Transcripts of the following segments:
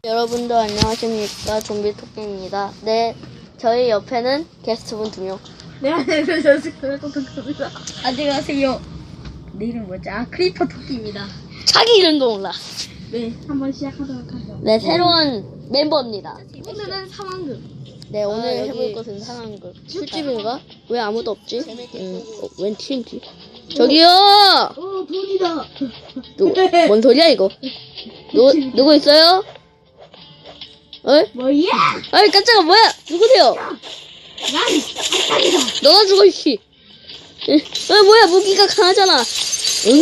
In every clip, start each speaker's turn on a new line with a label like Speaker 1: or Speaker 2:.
Speaker 1: 여러분들 안녕하십니까, 좀비 토끼입니다. 네, 저희 옆에는 게스트분 2명.
Speaker 2: 네, 안녕하세요. 토끼입니다. 안녕하세요. 내 이름 뭐지? 크리퍼 토끼입니다.
Speaker 1: 자기 이름도 몰라.
Speaker 2: 네, 한번 시작하도록 하죠.
Speaker 1: 네, 새로운 멤버입니다.
Speaker 2: 오늘은 상황극.
Speaker 1: 네, 오늘
Speaker 2: 여기
Speaker 1: 해볼 것은 상황극. 술집인가? 왜 아무도 없지? 웬 TNT? 저기요!
Speaker 2: 돈이다.
Speaker 1: 뭔 소리야, 이거? 누구 있어요? 어이?
Speaker 2: 뭐야?
Speaker 1: 어이, 깜짝아, 뭐야? 누구세요?
Speaker 2: 난 아빠이다.
Speaker 1: 너가 죽어, 이씨. 뭐야, 무기가 강하잖아. 응?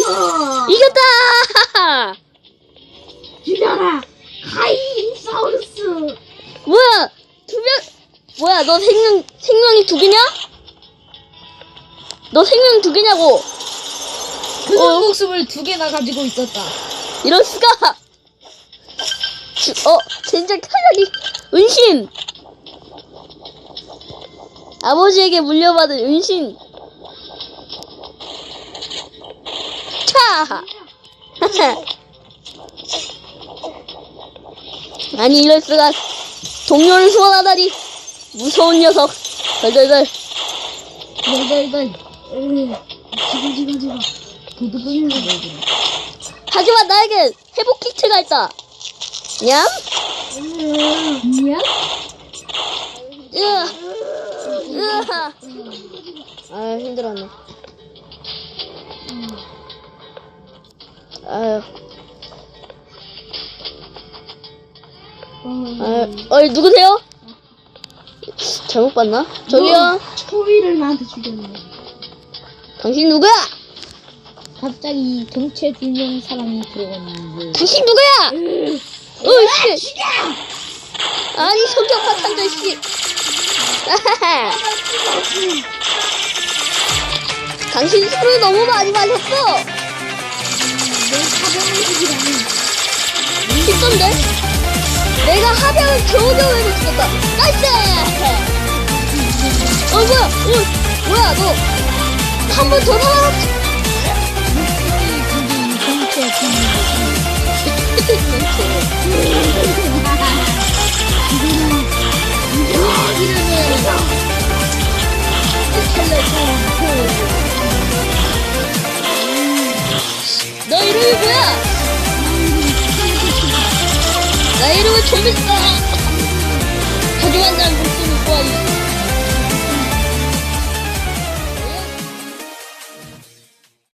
Speaker 1: 이겼다!
Speaker 2: 죽여라. 카이사우루스.
Speaker 1: 뭐야, 뭐야, 너 생명이 2개냐? 너 생명이 2개냐고?
Speaker 2: 그 목숨을 2개나 가지고 있었다.
Speaker 1: 이럴 수가! 젠장 타격이, 은신! 아버지에게 물려받은 은신! 차! 아니, 이럴 수가. 동료를 소환하다니! 무서운 녀석! 덜덜덜.
Speaker 2: 널. 지금. 도둑분이라 보여주네.
Speaker 1: 하지만 나에게 회복 키트가 있다! 냠?
Speaker 2: 미안?
Speaker 1: 으아! 아유, 힘들었네. 아유. 어이, 누구세요? 잘못 봤나? 저기요?
Speaker 2: 초위를 나한테 죽였네.
Speaker 1: 당신 누구야?
Speaker 2: 갑자기 경체 2명 사람이 들어갔는데.
Speaker 1: 당신 누구야? 씨. 아니, 성격 파탄자, 씨. 당신 술을 너무 많이 마셨어. 쉽던데? 내가 하병을 겨우겨우 해서 죽였다. 나이스! 뭐야, 너. 한 번 더 살아났지. 너 이름이 뭐야? 나 이름은 좀비스다. 하지만 난 목숨을 구하니